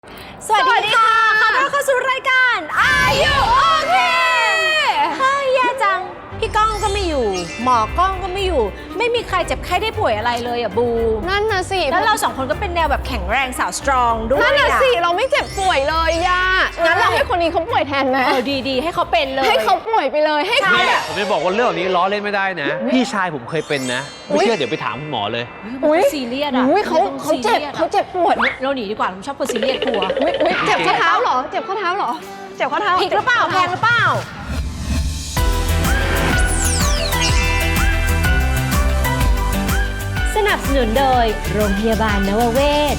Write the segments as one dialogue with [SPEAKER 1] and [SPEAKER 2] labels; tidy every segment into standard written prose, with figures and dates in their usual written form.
[SPEAKER 1] สวัสดีค่ะขอต้อนรับเข้าสู่รายการ Are You Okay เฮ้ยแย่จังพี่ก้องก็ไม่อยู่หมอกล้องก็ไม่อยู่ไม่มีใครเจ็บไข้ได้ป่วยอะไรเลยอ่ะบู
[SPEAKER 2] นั่นน่ะสิ
[SPEAKER 1] แล้วเราสองคนก็เป็นแนวแบบแข็งแรงสาวสตรองด้วย
[SPEAKER 2] นั่นน่ะสิเราไม่เจ็บป่วยเลยย่างั้นเราให้คนนี้เขาป่วยแทนไหม
[SPEAKER 1] ดีให้เขาเป็นเลย
[SPEAKER 2] ให้เขาป่วยไปเลยให้เขาแบบ
[SPEAKER 3] ผมจะบอกว่าเรื่องนี้ล้อเล่นไม่ได้นะพี่ชายผมเคยเป็นนะไม่เชื่อเดี๋ยวไปถามคุณหมอเลย
[SPEAKER 1] ซีเรียสอ่ะ
[SPEAKER 2] เขาเจ็บปวด
[SPEAKER 1] เราหนีดีกว่าผมชอบคนซีเรียสกลัว
[SPEAKER 2] เจ็บข้อเท้าเหรอเจ็บข้อเท้าเหรอเจ็บข้อเท้า
[SPEAKER 1] ผิดหรือเปล่าแพงหรือเปล่าสนับสนุนโดยโรงพยาบาลนวเวศ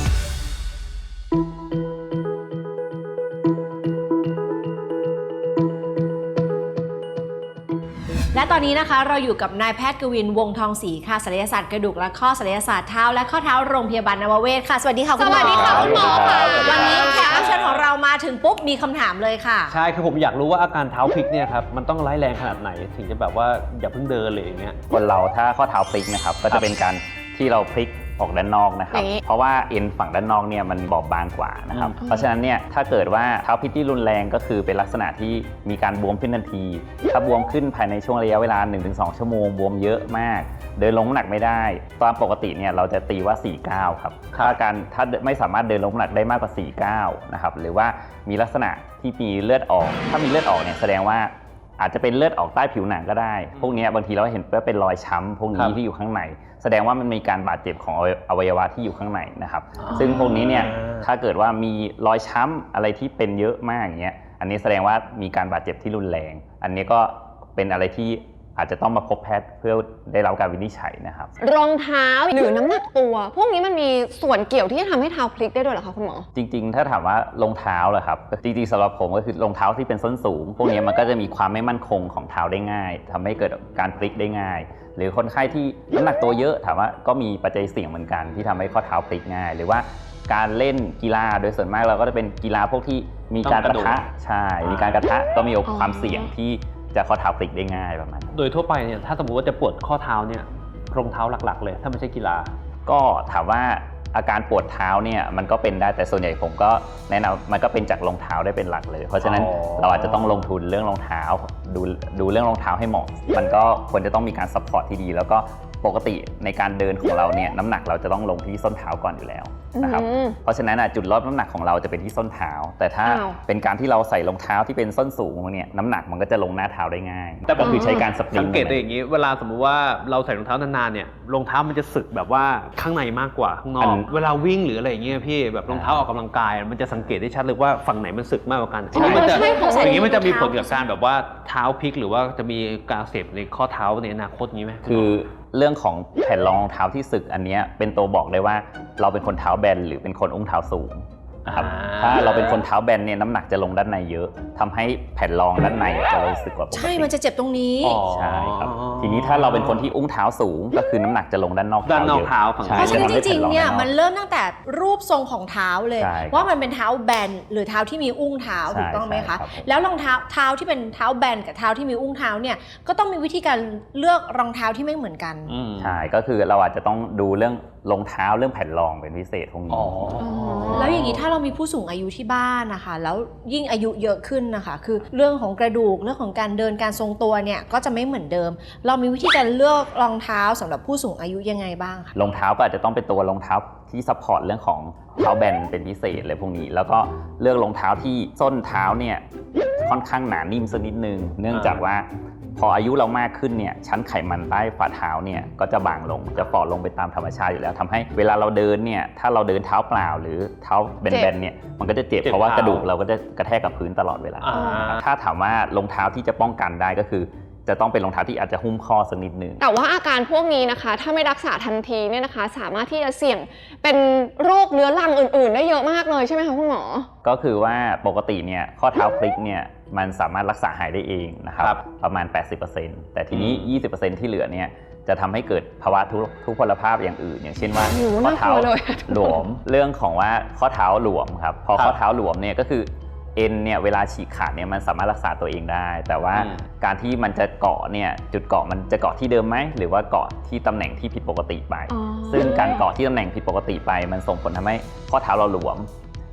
[SPEAKER 1] และตอนนี้นะคะเราอยู่กับนายแพทย์กวินวงทองศรีค่ะศัลยศาสตร์กระดูกและข้อศัลยศาสตร์เท้าและข้อเท้าโรงพยาบาลนวเวศค่ะสวัสดีค่ะคุณหมอ
[SPEAKER 2] สวัสดีค่ะคุณหมอค่ะ
[SPEAKER 1] วันนี้แขกรับเชิญของเรามาถึงปุ๊บมีคำถามเลยค่ะ
[SPEAKER 3] ใช่คือผมอยากรู้ว่าอาการเท้าพลิกเนี่ยครับมันต้องร้ายแรงขนาดไหนถึงจะแบบว่าอย่าเพิ่งเดินเลยอย่างเงี้ย
[SPEAKER 4] คนเราถ้าข้อเท้าพลิกนะครับก็จะเป็นการที่เราพลิกออกด้านนอกนะครับเพราะว่าเอ็นฝั่งด้านนอกเนี่ยมันบอบบางกว่านะครับเพราะฉะนั้นเนี่ยถ้าเกิดว่าเท้าพลิกที่รุนแรงก็คือเป็นลักษณะที่มีการบวมขึ้นทันทีถ้าบวมขึ้นภายในช่วงระยะเวลา 1-2 ชั่วโมงบวมเยอะมากเดินลงน้ำหนักไม่ได้ตามปกติเนี่ยเราจะตีว่า4-9ครับถ้าไม่สามารถเดินลงน้ำหนักได้มากกว่า4-9นะครับหรือว่ามีลักษณะที่มีเลือดออกถ้ามีเลือดออกเนี่ยแสดงว่าอาจจะเป็นเลือดออกใต้ผิวหนังก็ได้พวกนี้บางทีเราเห็นว่าเป็นรอยช้ำพวกนี้ที่อยู่ข้างในแสดงว่ามันมีการบาดเจ็บของอวัยวะที่อยู่ข้างในนะครับซึ่งพวกนี้เนี่ยถ้าเกิดว่ามีรอยช้ำอะไรที่เป็นเยอะมากอย่างเงี้ยอันนี้แสดงว่ามีการบาดเจ็บที่รุนแรงอันนี้ก็เป็นอะไรที่อาจจะต้องมาพบแพทย์เพื่อได้รับการวินิจฉัยนะครับ
[SPEAKER 2] รองเท้าหรือน้ำหนักตัวพวกนี้มันมีส่วนเกี่ยวที่จะทำให้เท้าพลิกได้ด้วยเหรอคะคุณหมอ
[SPEAKER 4] จริงๆถ้าถามว่ารองเท้าเหรอครับจริงๆสำหรับผมก็คือรองเท้าที่เป็นส้นสูงพวกนี้มันก็จะมีความไม่มั่นคงของเท้าได้ง่ายทำให้เกิดการพลิกได้ง่ายหรือคนไข้ที่น้ำหนักตัวเยอะถามว่าก็มีปัจจัยเสี่ยงเหมือนกันที่ทำให้ข้อเท้าพลิกง่ายหรือว่าการเล่นกีฬาโดยส่วนมากเราก็จะเป็นกีฬาพวกที่มีการกระทะใช่มีการกระทะก็มีความเสี่ยงที่จะข้อเท้าพลิกได้ง่ายประมาณ
[SPEAKER 3] โดยทั่วไปเนี่ยถ้าสมมติว่าจะปวดข้อเท้าเนี่ยรองเท้าหลักๆเลยถ้าไม่ใช่กีฬา
[SPEAKER 4] ก็ถามว่าอาการปวดเท้าเนี่ยมันก็เป็นได้แต่ส่วนใหญ่ผมก็แนะนำมันก็เป็นจากรองเท้าได้เป็นหลักเลยเพราะฉะนั้นเราอาจจะต้องลงทุนเรื่องรองเท้าดูเรื่องรองเท้าให้เหมาะมันก็ควรจะต้องมีการซัพพอร์ตที่ดีแล้วก็ปกติในการเดินของเราเนี่ยน้ำหนักเราจะต้องลงที่ส้นเท้าก่อนอยู่แล้วนะครับเพราะฉะนั้นจุดลดน้ำหนักของเราจะเป็นที่ส้นเท้าแต่ถ้าเป็นการที่เราใส่รองเท้าที่เป็นส้นสูงเนี่ยน้ำหนักมันก็จะลงหน้าเท้าได้ง่ายแต่ก็คือใช้การสปริง
[SPEAKER 3] สังเกตได้อย่างนี้เวลาสมมุติว่าเราใส่รองเท้านานๆเนี่ยรองเท้ามันจะสึกแบบว่าข้างในมากกว่าข้างนอกเวลาวิ่งหรืออะไรอย่างเงี้ยพี่แบบรองเท้าออกกำลังกายมันจะสังเกตได้ชัดเลยว่าฝั่งไหนมันสึกมากกว่ากันอย่างนี้มันจะมีผลกับการแบบว่าเท้าพลิกหรือว่าจะมีการอักเสบในข้อเท้าในอนาคตนี้ไหม
[SPEAKER 4] คือเรื่องของแผ่นรองเท้าที่สึกอันนี้เป็นตัวบอกได้ว่าเราเป็นคนเท้าแบนหรือเป็นคนอุ้งเท้าสูงนะครับถ้าเราเป็นคนเท้าแบนเนี่ยน้ำหนักจะลงด้านในเยอะทำให้แผ่นรองด้านในจะรู้สึกกว่าปกติ
[SPEAKER 1] ใช่มันจะเจ็บตรงนี้
[SPEAKER 4] ใช่ครับทีนี้ถ้าเราเป็นคนที่อุ้งเท้าสูงก็คือน้ำหนักจะลงด้านนอก
[SPEAKER 3] เท้า
[SPEAKER 1] เพราะฉะนั้นจริงๆเนี่ยมันเริ่มตั้งแต่รูปทรงของเท้าเลยว่ามันเป็นเท้าแบนหรือเท้าที่มีอุ้งเท้าถูกต้องไหมคะแล้วรองเท้าที่เป็นเท้าแบนกับเท้าที่มีอุ้งเท้าเนี่ยก็ต้องมีวิธีการเลือกรองเท้าที่ไม่เหมือนกัน
[SPEAKER 4] ใช่ก็คือเราอาจจะต้องดูเรื่องรองเท้าเรื่องแผ่นรองเป็นพิเศษพวกนี้
[SPEAKER 1] แล้วอย่างนี้ถ้าเรามีผู้สูงอายุที่บ้านนะคะแล้วยิ่งอายุเยอะขึ้นนะคะคือเรื่องของกระดูกเรื่องของการเดินการทรงตัวเนี่ยก็จะไม่เหมือนเดิมเรามีวิธีการเลือกรองเท้าสำหรับผู้สูงอายุยังไงบ้างคะ
[SPEAKER 4] รองเท้าก็อาจจะต้องเป็นตัวรองเท้าที่ซัพพอร์ตเรื่องของเท้าแบนเป็นพิเศษเลยพวกนี้แล้วก็เลือกรองเท้าที่ส้นเท้าเนี่ยค่อนข้างหนานิ่มสักนิดนึงเนื่องจากว่าพออายุเรามากขึ้นเนี่ยชั้นไขมันใต้ฝ่าเท้าเนี่ยก็จะบางลงจะฝ่อลงไปตามธรรมชาติอยู่แล้วทำให้เวลาเราเดินเนี่ยถ้าเราเดินเท้าเปล่าหรือเท้าแบนๆเนี่ยมันก็จะเจ็บเพราะว่ากระดูกเราก็จะกระแทกกับพื้นตลอดเวลาถ้าถามว่ารองเท้าที่จะป้องกันได้ก็คือจะต้องเป็นรองเท้าที่อาจจะหุ้มข้อสักนิดนึง
[SPEAKER 2] แต่ว่าอาการพวกนี้นะคะถ้าไม่รักษาทันทีเนี่ยนะคะสามารถที่จะเสี่ยงเป็นโรคเรื้อรังอื่นๆได้เยอะมากเลยใช่ไหมคะคุณหมอ
[SPEAKER 4] ก็คือว่าปกติเนี่ยข้อเท้าพลิกเนี่ยมันสามารถรักษาหายได้เองนะครับประมาณ 80% แต่ทีนี้ 20% ที่เหลือเนี่ยจะทำให้เกิดภาวะทุพพลภาพอย่างอื่นอย่างเช่นว่าข้อเท้าหลวมเรื่องของว่าข้อเท้าหลวมครับพอข้อเท้าหลวมเนี่ยก็คือเอ็นเนี่ยเวลาฉีกขาดเนี่ยมันสามารถรักษาตัวเองได้แต่ว่าการที่มันจะเกาะเนี่ยจุดเกาะมันจะเกาะที่เดิมไหมหรือว่าเกาะที่ตำแหน่งที่ผิดปกติไปซึ่งการเกาะที่ตำแหน่งผิดปกติไปมันส่งผลทำให้ข้อเท้าเราหลวม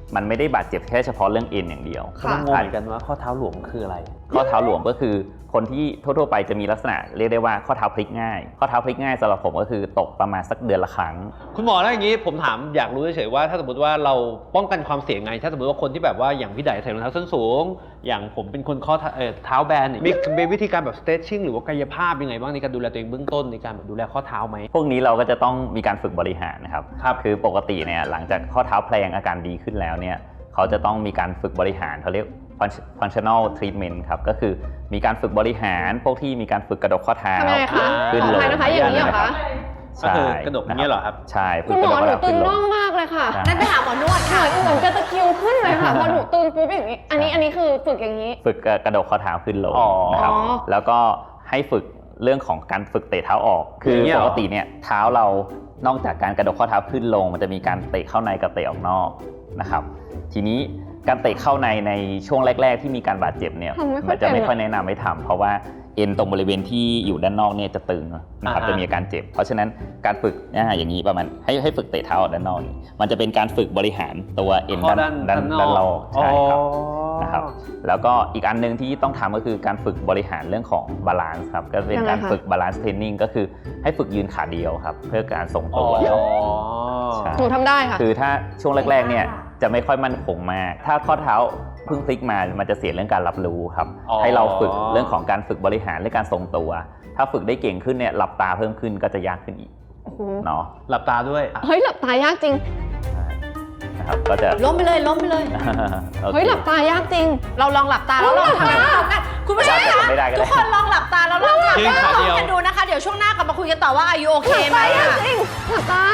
[SPEAKER 4] มันไม่ได้บาดเจ็บแค่เฉพาะเรื่องเอ็นอย่างเดียว
[SPEAKER 3] กำลังงงเหมือนกันว่าข้อเท้าหลวมคืออะไร
[SPEAKER 4] ข้อเท้าหลวมก็คือคนที่ทั่วๆไปจะมีลักษณะเรียกได้ว่าข้อเท้าพลิกง่ายข้อเท้าพลิกง่ายสำหรับผมก็คือตกประมาณสักเดือนละครั้ง
[SPEAKER 3] คุณหมอแล้วอย่างนี้ผมถามอยากรู้เฉยๆว่าถ้าสมมติว่าเราป้องกันความเสี่ยงไงถ้าสมมติว่าคนที่แบบว่าอย่างพี่ไดใส่รองเท้าส้นสูงอย่างผมเป็นคนข้อเท้าแบนมีวิธีการแบบ stretching หรือว่ากายภาพยังไงบ้างในการดูแลตัวเองเบื้องต้นในการแบบดูแลข้อเท้าไหม
[SPEAKER 4] พวกนี้เราก็จะต้องมีการฝึกบริหารนะครับคือปกติเนี่ยหลังจากข้อเท้าแพลงอาการดีขึ้นแล้วเนี่ยเขาจะต้องมีการฝึกบริหารเขาเรียกfunctional treatment ครับก็คือมีการฝึกบริหารพวกที่มีการฝึกกระดกข้อเท้า
[SPEAKER 2] ขึ้นลงนะคะอย่างนี้เหรอคะ
[SPEAKER 3] ก็คือกระดกอย่างนี้เหรอครับ
[SPEAKER 4] ใช่
[SPEAKER 2] คุณหมอหนูตึงน่องมากเลยค่ะ
[SPEAKER 1] นั่นไปหาหมอนวดค่ะ
[SPEAKER 2] เหมือนจะตะคิวขึ้นเลยค่ะพอหนูตึงปุ๊บอย่างนี้อันนี้คือฝึกอย่างนี้
[SPEAKER 4] ฝึกกระดกข้อเท้าขึ้นลงนะครับแล้วก็ให้ฝึกเรื่องของการฝึกเตะเท้าออกคือปกติเนี่ยเท้าเรานอกจากการกระดกข้อเท้าขึ้นลงมันจะมีการเตะเข้าในกับเตะออกนอกนะครับทีนี้การเตะเข้าในช่วงแรกๆที่มีการบาดเจ็บเนี่ยมันจะไม่ค่อยแนะนำให้ทำเพราะว่าเอ็นตรงบริเวณที่อยู่ด้านนอกเนี่ยจะตึงนะครับจะมีอาการเจ็บเพราะฉะนั้นการฝึกอย่างนี้ประมาณให้ฝึกเตะเท้าออกด้านนอกมันจะเป็นการฝึกบริหารตัวเอ็นด้านนอกใช่ครับนะครับแล้วก็อีกอันนึงที่ต้องทำก็คือการฝึกบริหารเรื่องของบาลานซ์ครับก็เป็นการฝึกบาลานซ์เทรนนิ่งก็คือให้ฝึกยืนขาเดียวครับเพื่อการทรงตัว
[SPEAKER 2] หนูทำได้ค่ะ
[SPEAKER 4] คือถ้าช่วงแรกๆเนี่ยจะไม่ค่อยมั่นคงมากถ้าข้อเท้าเพิ่งพลิกมามันจะเสียเรื่องการรับรู้ครับให้เราฝึกเรื่องของการฝึกบริหารและการทรงตัวถ้าฝึกได้เก่งขึ้นเนี่ยหลับตาเพิ่มขึ้นก็จะยากขึ้นอีกเนาะ
[SPEAKER 3] หลับตาด้วย
[SPEAKER 2] เฮ้ยหลับตายากจริง
[SPEAKER 4] นะครับก็จะ
[SPEAKER 1] ล้มไปเลย
[SPEAKER 2] เฮ้ยหลับตายากจริง
[SPEAKER 1] เราลองหลับตาแล้วลองทำกันคุณผู้ชมคะทุกคนลองหลับตาแล้วลองทำกันดูนะคะเดี๋ยวช่วงหน้ากลับมาคุยกันต่อว่าอายุโอเคไหม
[SPEAKER 2] หลับตายากจริงหลับตา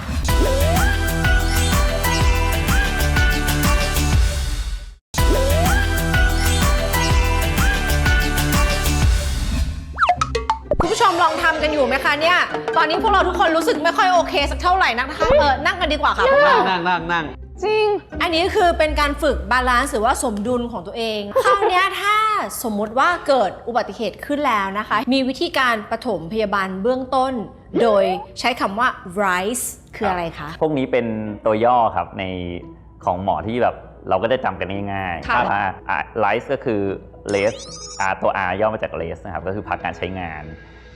[SPEAKER 1] คุณผู้ชมลองทำกันอยู่ไหมคะเนี่ยตอนนี้พวกเราทุกคนรู้สึกไม่ค่อยโอเคสักเท่าไหร่นะคะนั่งกันดีกว่าค่ะพวกเรา
[SPEAKER 3] นั่ง
[SPEAKER 2] จริง
[SPEAKER 1] อันนี้คือเป็นการฝึกบาลานซ์หรือว่าสมดุลของตัวเองคราวนี้ถ้าสมมุติว่าเกิดอุบัติเหตุขึ้นแล้วนะคะมีวิธีการปฐมพยาบาลเบื้องต้นโดยใช้คำว่า RISE คืออะไรคะ
[SPEAKER 4] พวกนี้เป็นตัวย่อครับในของหมอที่แบบเราก็จะจำกันง่ายๆว่า RISE ก็คือ rest ตัว R ย่อมาจาก rest นะครับก็คือพักการใช้งาน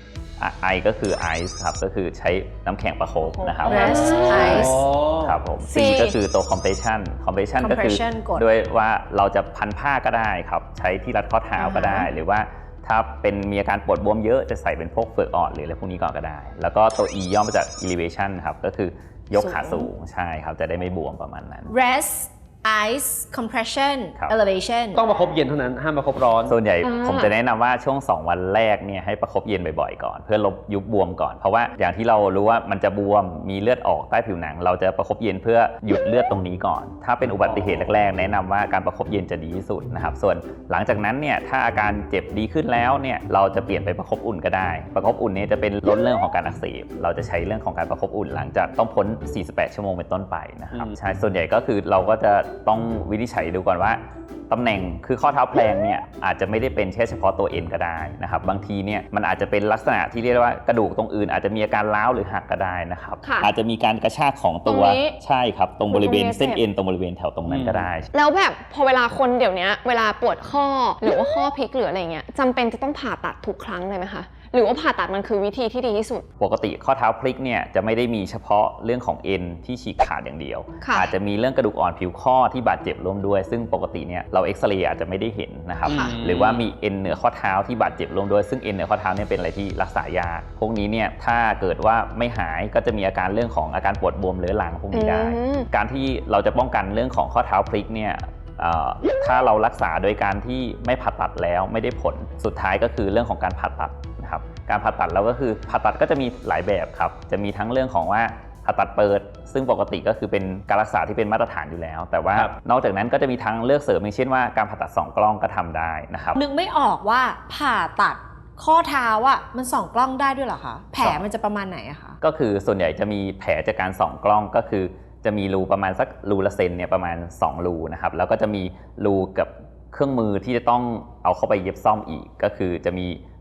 [SPEAKER 4] I ก็คือ ice ครับก็คือใช้น้ำแข็งประคบนะครับ
[SPEAKER 1] rest ice
[SPEAKER 4] ครับผม C ก็คือตัว compression ก็คือด้วยว่าเราจะพันผ้าก็ได้ครับใช้ที่รัดข้อเท้าก็ได้หรือว่าถ้าเป็นมีอาการปวดบวมเยอะจะใส่เป็นพวกเฟือกอ่อนหรืออะไรพวกนี้ก่อนก็ได้แล้วก็ตัว E ย่อมาจาก elevation ครับก็คือยกขาสูงใช่ครับจะได้ไม่บวมประมาณนั้น
[SPEAKER 1] rest ice compression elevation
[SPEAKER 3] ต้องประคบเย็นเท่านั้นห้ามประคบร้อน
[SPEAKER 4] ส่วนใหญ่ผมจะแนะนำว่าช่วง2วันแรกเนี่ยให้ประคบเย็นบ่อยๆก่อนเพื่อลบยุบบวมก่อนเพราะว่าอย่างที่เรารู้ว่ามันจะบวมมีเลือดออกใต้ผิวหนังเราจะประคบเย็นเพื่อหยุดเลือดตรงนี้ก่อนถ้าเป็นอุบัติเหตุแรกๆแนะนำว่าการประคบเย็นจะดีที่สุดนะครับส่วนหลังจากนั้นเนี่ยถ้าอาการเจ็บดีขึ้นแล้วเนี่ยเราจะเปลี่ยนไปประคบอุ่นก็ได้ประคบอุ่นเนี่ยจะเป็นลดเรื่องของการอักเสบเราจะใช้เรื่องของการประคบอุ่นหลังจากต้องพ้น48ชั่วโมงเป็นต้นไปนะครับใช่ส่วนใหญ่ก็คือเราก็จะต้องวินิจฉัยดูก่อนว่าตำแหน่งคือข้อเท้าแพลงเนี่ยอาจจะไม่ได้เป็นแค่เฉพาะตัวเอ็นก็ได้นะครับบางทีเนี่ยมันอาจจะเป็นลักษณะที่เรียกว่ากระดูกตรงอื่นอาจจะมีอาการร้าวหรือหักก็ได้นะครับอาจจะมีการกระชากของตัวใช่ครับตรงบริเวณเส้นเอ็นตรงบริเวณแถวตรงนั้นก็ได้
[SPEAKER 2] แล้วแบบพอเวลาคนเดี๋ยวนี้เวลาปวดข้อหรือว่าข้อพลิกหรืออะไรเงี้ยจำเป็นจะต้องผ่าตัดทุกครั้งเลยไหมคะหรือว่าผ่าตัดมันคือวิธีที่ดีที่สุด
[SPEAKER 4] ปกติข้อเท้าพลิกเนี่ยจะไม่ได้มีเฉพาะเรื่องของเอ็นที่ฉีกขาดอย่างเดียวอาจจะมีเรื่องกระดูกอ่อนผิวข้อที่บาดเจ็บร่วมด้วยซึ่งปกติเนี่ยเราเอ็กซเรย์อาจจะไม่ได้เห็นนะครับหรือว่ามีเอ็นเหนือข้อเท้าที่บาดเจ็บร่วมด้วยซึ่งเอ็นเหนือข้อเท้าเนี่ยเป็นอะไรที่รักษายากพวกนี้เนี่ยถ้าเกิดว่าไม่หายก็จะมีอาการเรื่องของอาการปวดบวมเรื้อรังพวกนี้ได้การที่เราจะป้องกันเรื่องของข้อเท้าพลิกเนี่ยถ้าเรารักษาโดยการที่ไม่ผ่าตัดแล้วไม่ได้ผลสุดท้ายก็คือเรื่องของการผ่าตัดนะครับการผ่าตัดแล้วก็คือผ่าตัดก็จะมีหลายแบบครับจะมีทั้งเรื่องของว่าผ่าตัดเปิดซึ่งปกติก็คือเป็นการรักษาที่เป็นมาตรฐานอยู่แล้วแต่ว่านอกจากนั้นก็จะมีทั้งเลือกเสริมอย่างเช่นว่าการผ่าตัด2 กล้องก็ทำได้นะครับ
[SPEAKER 1] นึกไม่ออกว่าผ่าตัดข้อเท้าอ่ะมัน2 กล้องได้ด้วยเหรอคะแผลมันจะประมาณไหนอะคะ
[SPEAKER 4] ก็คือส่วนใหญ่จะมีแผลจากการ2 กล้องก็คือจะมีรูประมาณสักรูละเซนเนี่ยประมาณ2 รูนะครับแล้วก็จะมีรูกับเครื่องมือที่จะต้องเอาเข้าไปเย็บซ่อมอีกก็คือจะมี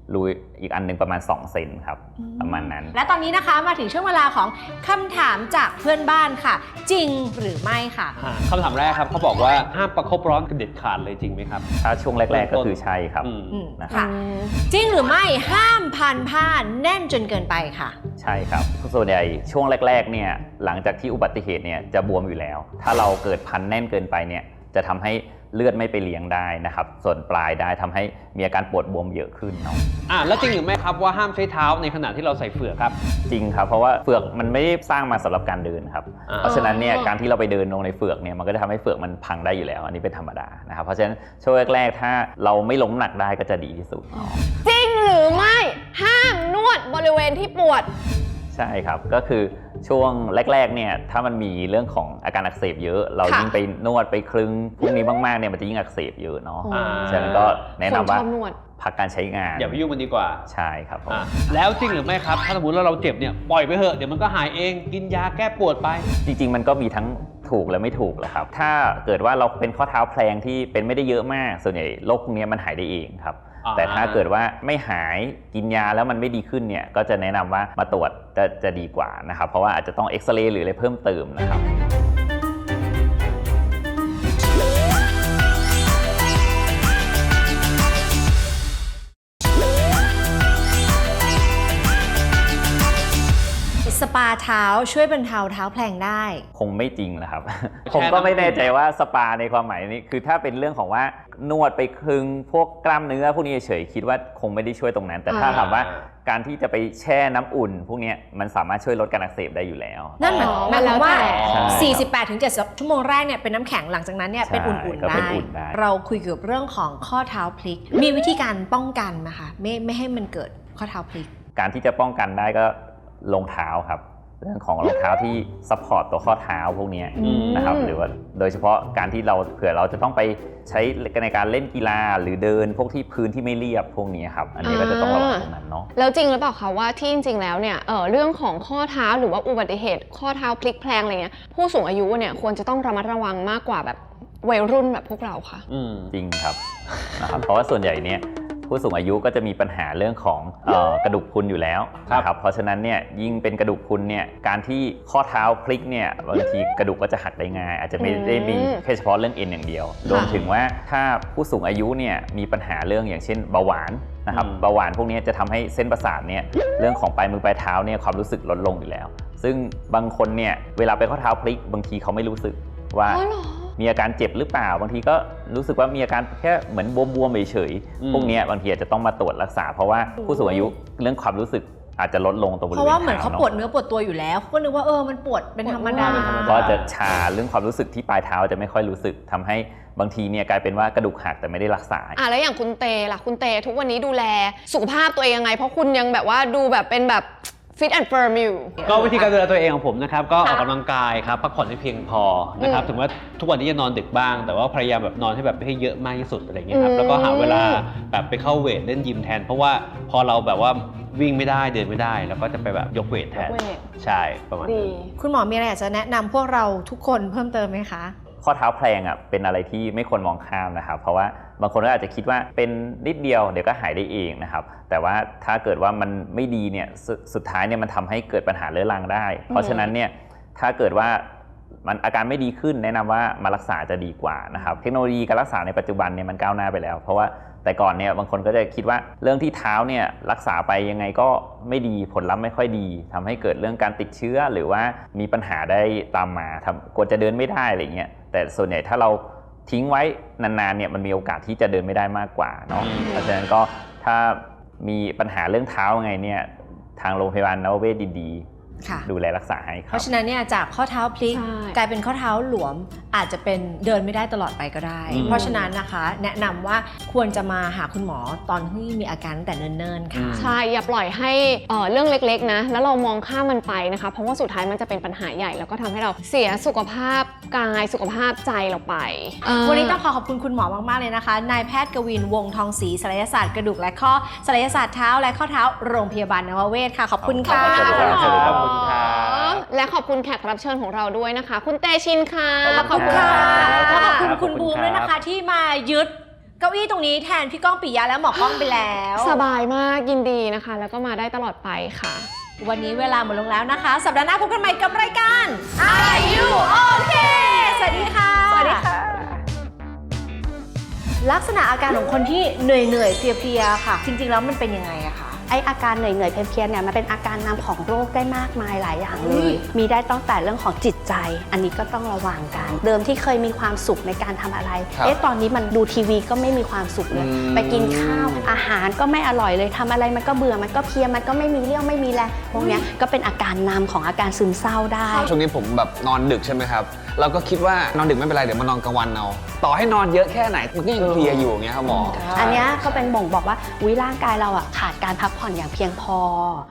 [SPEAKER 4] รูอีกอันนึงประมาณ2 เซนครับประมาณนั้น
[SPEAKER 1] และตอนนี้นะคะมาถึงช่วงเวลาของคำถามจากเพื่อนบ้านค่ะจริงหรือไม่ค่ะ
[SPEAKER 3] คำถามแรกครับเขาบอกว่าห้ามประคบร้อนกันเด็ดขาดเลยจริงไหมครับ
[SPEAKER 4] ถ้าช่วงแรกๆก็คือใช่ครับ
[SPEAKER 1] ค่ะจริงหรือไม่ห้ามพันผ้าแน่นจนเกินไปค่ะ
[SPEAKER 4] ใช่ครับส่วนใหญ่ช่วงแรกๆเนี่ยหลังจากที่อุบัติเหตุเนี่ยจะบวมอยู่แล้วถ้าเราเกิดพันแน่นเกินไปเนี่ยจะทำให้เลือดไม่ไปเลี้ยงได้นะครับส่วนปลายได้ทำให้มีอาการปวดบวมเยอะขึ้นเนาะ
[SPEAKER 3] แล้วจริงหรือไม่ครับว่าห้ามใช้เท้าในขณะที่เราใส่เฟือกครับ
[SPEAKER 4] จริงครับเพราะว่าเฟือกมันไม่ได้สร้างมาสำหรับการเดินครับเพราะฉะนั้นเนี่ยการที่เราไปเดินลงในเฟือกเนี่ยมันก็จะทำให้เฟือกมันพังได้อยู่แล้วอันนี้เป็นธรรมดานะครับเพราะฉะนั้นช่วงแรกๆถ้าเราไม่ล้มหนักได้ก็จะดีที่สุด
[SPEAKER 2] จริงหรือไม่ห้ามนวดบริเวณที่ปวด
[SPEAKER 4] ใช่ครับก็คือช่วงแรกๆเนี่ยถ้ามันมีเรื่องของอาการอักเสบเยอะเรายิ่งไปนวดไปคลึงพวกนี้มากๆเนี่ยมันจะยิ่งอักเสบเยอะเนาะฉะนั้นก็แนะนำว่าพักการใช้งาน
[SPEAKER 3] อย่าไปยุ่งมันดีกว่า
[SPEAKER 4] ใช่ครับ
[SPEAKER 3] แล้วจริงหรือไม่ครับถ้าสมมติเราเจ็บเนี่ยปล่อยไปเถอะเดี๋ยวมันก็หายเองกินยาแก้ปวดไป
[SPEAKER 4] จริงๆมันก็มีทั้งถูกและไม่ถูกแหละครับถ้าเกิดว่าเราเป็นข้อเท้าแพลงที่เป็นไม่ได้เยอะมากส่วนใหญ่โรคพวกนี้มันหายได้เองครับแต่ถ้าเกิดว่าไม่หายกินยาแล้วมันไม่ดีขึ้นเนี่ยก็จะแนะนำว่ามาตรวจจะดีกว่านะครับเพราะว่าอาจจะต้องเอ็กซเรย์หรืออะไรเพิ่มเติมนะครับ
[SPEAKER 1] สปาเท้าช่วยบรรเทาเท้าแพลงได้
[SPEAKER 4] คงไม่จริงนะครับ ผมก็ไม่แน่ใจว่าสปาในความหมายนี้คือถ้าเป็นเรื่องของว่านวดไปคลึงพวกกล้ามเนื้อพวกนี้เฉยคิดว่าคงไม่ได้ช่วยตรงนั้นแต่ถ้าถามว่าการที่จะไปแช่น้ำอุ่นพวกนี้มันสามารถช่วยลดการอักเสบได้อยู่แล้ว
[SPEAKER 1] นั่นหมายความว่า 48-70 ชั่วโมงแรกเนี่ยเป็นน้ำแข็งหลังจากนั้นเนี่ยเป็นอุ่นๆได้เราคุยเกี่ยวกับเรื่องของข้อเท้าพลิกมีวิธีการป้องกันนะคะไม่ให้มันเกิดข้อเท้าพลิก
[SPEAKER 4] การที่จะป้องกันได้ก็รองเท้าครับเรื่องของรองเท้าที่ซัพพอร์ตตัวข้อเท้าพวกนี้นะครับหรือว่าโดยเฉพาะการที่เราเผื่อเราจะต้องไปใช้ในการเล่นกีฬาหรือเดินพวกที่พื้นที่ไม่เรียบพวกนี้ครับอันนี้ก็จะต้องระวังตรงนั้นเนาะ
[SPEAKER 2] แล้วจริงหรือเปล่าคะว่าที่จริงๆแล้วเนี่ยเรื่องของข้อเท้าหรือว่าอุบัติเหตุข้อเท้าพลิกแพลงอะไรเงี้ยผู้สูงอายุเนี่ยควรจะต้องระมัดระวังมากกว่าแบบวัยรุ่นแบบพวกเราค่ะ
[SPEAKER 4] จริงครับนะครับเพราะว่าส่วนใหญ่เนี่ยผู้สูงอายุก็จะมีปัญหาเรื่องของกระดูกพรุนอยู่แล้วนะครับเพราะฉะนั้นเนี่ยยิ่งเป็นกระดูกพรุนเนี่ยการที่ข้อเท้าพลิกเนี่ยบางทีกระดูกก็จะหักได้ง่ายอาจจะไม่ได้มีแค่เฉพาะเรื่องเอ็นอย่างเดียวรวมถึงว่าถ้าผู้สูงอายุเนี่ยมีปัญหาเรื่องอย่างเช่นเบาหวานนะครับเบาหวานพวกนี้จะทำให้เส้นประสาทเนี่ยเรื่องของปลายมือปลายเท้าเนี่ยความรู้สึกลดลงอยู่แล้วซึ่งบางคนเนี่ยเวลาไปข้อเท้าพลิกบางทีเขาไม่รู้สึกว่ามีอาการเจ็บหรือเปล่าบางทีก็รู้สึกว่ามีอาการแค่เหมือนบวมๆเฉยๆพวกนี้บางทีอาจจะต้องมาตรวจรักษาเพราะว่าผู้สูงอายุเรื่องความรู้สึกอาจจะลดลงตรงบริเวณเท้า
[SPEAKER 1] เพราะว่าเหมือนเขาปวดเนื้อปวดตัวอยู่แล้วก็นึกว่ามันปวดเป็นธรรมดา
[SPEAKER 4] ก็จะชาเรื่องความรู้สึกที่ปลายเท้าจะไม่ค่อยรู้สึกทำให้บางทีเนี่ยกลายเป็นว่ากระดูกหักแต่ไม่ได้รักษา
[SPEAKER 2] แล้วอย่างคุณเตล่ะคุณเตทุกวันนี้ดูแลสุขภาพตัวเองยังไงเพราะคุณยังแบบว่าดูแบบเป็นแบบฟิตแอนด์เฟิร์มอยู่
[SPEAKER 3] ก็วิธีการดูแลตัวเองของผมนะครับก็ออกกำลังกายครับพักผ่อนให้เพียงพอนะครับถึงว่าทุกวันนี้จะนอนดึกบ้างแต่ว่าพยายามแบบนอนให้แบบให้เยอะมากที่สุดอะไรเงี้ยครับแล้วก็หาเวลาแบบไปเข้าเวทเล่นยิมแทนเพราะว่าพอเราแบบว่าวิ่งไม่ได้เดินไม่ได้แล้วก็จะไปแบบยกเวทแทนใช่ประมาณนั้น
[SPEAKER 1] คุณหมอมีอะไรอยากจะแนะนำพวกเราทุกคนเพิ่มเติมไหมคะ
[SPEAKER 4] ข้อเท้าแพลงเป็นอะไรที่ไม่ควรมองข้ามนะครับเพราะว่าบางคนก็อาจจะคิดว่าเป็นนิดเดียวเดี๋ยวก็หายได้เองนะครับแต่ว่าถ้าเกิดว่ามันไม่ดีเนี่ยสุดท้ายเนี่ยมันทำให้เกิดปัญหาเรื้อรังได้เพราะฉะนั้นเนี่ยถ้าเกิดว่ามันอาการไม่ดีขึ้นแนะนำว่ามารักษาจะดีกว่านะครับเทคโนโลยีการรักษาในปัจจุบันเนี่ยมันก้าวหน้าไปแล้วเพราะว่าแต่ก่อนเนี่ยบางคนก็จะคิดว่าเรื่องที่เท้าเนี่ยรักษาไปยังไงก็ไม่ดีผลลัพธ์ไม่ค่อยดีทำให้เกิดเรื่องการติดเชื้อหรือว่ามีปัญหาได้ตามมากลัวจะเดินไม่ได้อะไรเงี้ยแต่ส่วนใหญ่ถ้าเราทิ้งไว้นานๆเนี่ยมันมีโอกาสที่จะเดินไม่ได้มากกว่าเนาะเพราะฉะนั้นก็ถ้ามีปัญหาเรื่องเท้าไงเนี่ยทางโรงพยาบาลนวเวศดีๆดูแลรักษาให้ครับ
[SPEAKER 1] เพราะฉะนั้นเนี่ยจากข้อเท้าพลิกกลายเป็นข้อเท้าหลวมอาจจะเป็นเดินไม่ได้ตลอดไปก็ได้เพราะฉะนั้นนะคะแนะนำว่าควรจะมาหาคุณหมอตอนที่มีอาการแต่เนิ่นๆค่ะ
[SPEAKER 2] ใช่อย่าปล่อยให้เรื่องเล็กๆนะแล้วเรามองข้ามมันไปนะคะเพราะว่าสุดท้ายมันจะเป็นปัญหาใหญ่แล้วก็ทำให้เราเสียสุขภาพกายสุขภาพใจเราไป
[SPEAKER 1] วันนี้ต้องขอบคุณคุณหมอมากๆเลยนะคะนายแพทย์กวินวงทองศรีศัลยศาสตร์กระดูกและข้อศัลยศาสตร์เท้าและข้อเท้าโรงพยาบาลนวเวศค่ะขอบคุณค่ะ
[SPEAKER 4] ขอบคุณค่ะ
[SPEAKER 2] และขอบคุณแขกรับเชิญของเราด้วยนะคะคุณเตชินค่ะ
[SPEAKER 1] ขอบคุณค่ะและขอบคุณคุณบูมด้วยนะคะที่มายึดเก้ก้าอี้ตรงนี้แทนพี่ก้องปิยะและหมอกล้องไปแล้ว
[SPEAKER 2] สบายมากยินดีนะคะ แล้วก็มาได้ตลอดไปค่ะ
[SPEAKER 1] วันนี้เวลาหมดลงแล้วนะคะ สัปดาห์หน้าพบกันใหม่กับรายการ Are You Okay สวัสดีค่ะ
[SPEAKER 2] สวัสดีค่ะ
[SPEAKER 1] ลักษณะอาการของคนที่เหนื่อยเพลียๆค่ะ จริงๆแล้วมันเป็นยังไงอะคะ
[SPEAKER 5] ไออาการเหนื่อยๆเพลียๆเนี่ยมันเป็นอาการนำของโรคได้มากมายหลายอย่างเลย มีได้ตั้งแต่เรื่องของจิตใจ อันนี้ก็ต้องระวังกัน เดิมที่เคยมีความสุขในการทำอะไร ตอนนี้มันดูทีวีก็ไม่มีความสุขเลย ไปกินข้าวอาหารก็ไม่อร่อยเลยทำอะไรมันก็เบื่อมันก็เพลียมันก็ไม่มีเรี่ยวไม่มีแรงพวกเนี้ยก็เป็นอาการนำของอาการซึมเศร้าได้
[SPEAKER 6] ช่วงนี้ผมแบบนอนดึกใช่ไหมครับเราก็คิดว่านอนดึกไม่เป็นไรเดี๋ยวมานอนกลางวันเอาต่อให้นอนเยอะแค่ไหนมันก็ยังเพลียอยู่อย่างเงี้ยครับหมอ
[SPEAKER 5] อันเนี้ยก็เป็นบ่งบอกว่าร่างกายเราขาดการพักผ่อนอย่างเพียงพอ